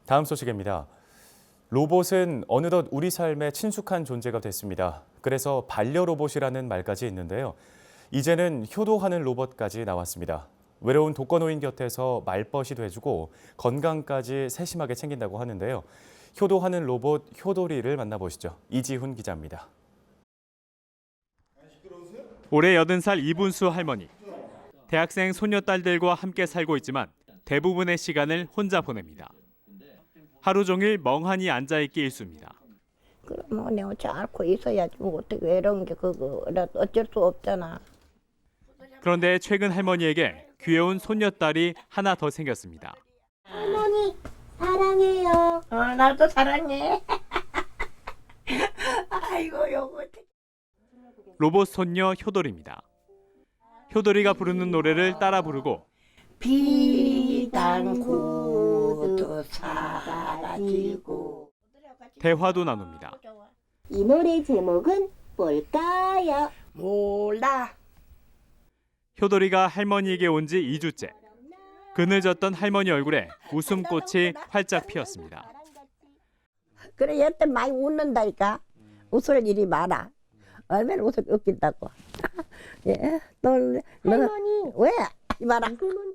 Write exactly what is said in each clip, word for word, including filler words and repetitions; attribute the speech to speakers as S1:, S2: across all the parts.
S1: 다음 소식입니다. 로봇은 어느덧 우리 삶에 친숙한 존재가 됐습니다. 그래서 반려로봇이라는 말까지 있는데요. 이제는 효도하는 로봇까지 나왔습니다. 외로운 독거노인 곁에서 말벗이 돼주고 건강까지 세심하게 챙긴다고 하는데요. 효도하는 로봇 효도리를 만나보시죠. 이지훈 기자입니다.
S2: 올해 여든 살 이분수 할머니. 대학생 손녀딸들과 함께 살고 있지만 대부분의 시간을 혼자 보냅니다. 하루 종일 멍하니 앉아있기 일쑤입니다.
S3: 그럼 내가 잘 앓고 있어야지 뭐 어떻게 외로운 게 그거 어쩔 수 없잖아.
S2: 그런데 최근 할머니에게 귀여운 손녀딸이 하나 더 생겼습니다.
S4: 할머니 사랑해요.
S3: 어, 나도 사랑해. 아이고 요거.
S2: 로봇 손녀 효돌입니다. 효돌이가 부르는 노래를 따라 부르고
S3: 비단구도 사라지고
S2: 대화도 나눕니다.
S4: 이 노래 제목은 뭘까요?
S3: 몰라.
S2: 효돌이가 할머니에게 온 지 이 주째. 그늘졌던 할머니 얼굴에 웃음꽃이 활짝 피었습니다.
S3: 그래 얘때 많이 웃는다니까. 웃을 일이 많아. 얼마나 웃을 웃긴다고. 예, 너, 너
S4: 할머니
S3: 왜 이봐라.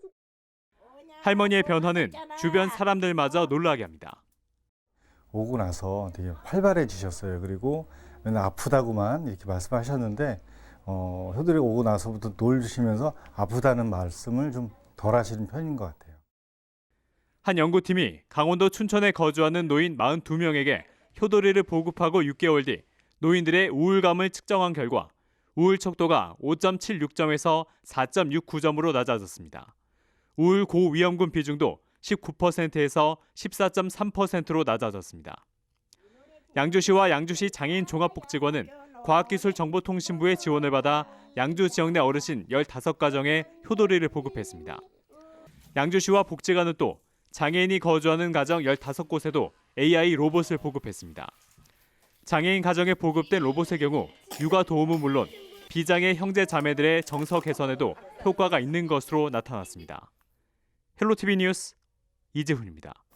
S2: 할머니의 변화는 주변 사람들마저 놀라게 합니다.
S5: 오고 나서 되게 활발해지셨어요. 그리고 맨날 아프다고만 이렇게 말씀하셨는데 어, 효들이 오고 나서부터 놀시면서 아프다는 말씀을 좀 덜 하시는 편인 것 같아요.
S2: 한 연구팀이 강원도 춘천에 거주하는 노인 사십이 명에게 효돌이를 보급하고 육 개월 뒤 노인들의 우울감을 측정한 결과 우울 척도가 오 점 칠육 점에서 사 점 육구 점으로 낮아졌습니다. 우울 고위험군 비중도 십구 퍼센트에서 십사 점 삼 퍼센트로 낮아졌습니다. 양주시와 양주시 장애인 종합복지관은 과학기술정보통신부의 지원을 받아 양주 지역 내 어르신 열다섯 가정에 효돌이를 보급했습니다. 양주시와 복지관은 또 장애인이 거주하는 가정 열다섯 곳에도 에이아이 로봇을 보급했습니다. 장애인 가정에 보급된 로봇의 경우 육아 도움은 물론 비장애 형제 자매들의 정서 개선에도 효과가 있는 것으로 나타났습니다. 헬로티비 뉴스 이재훈입니다.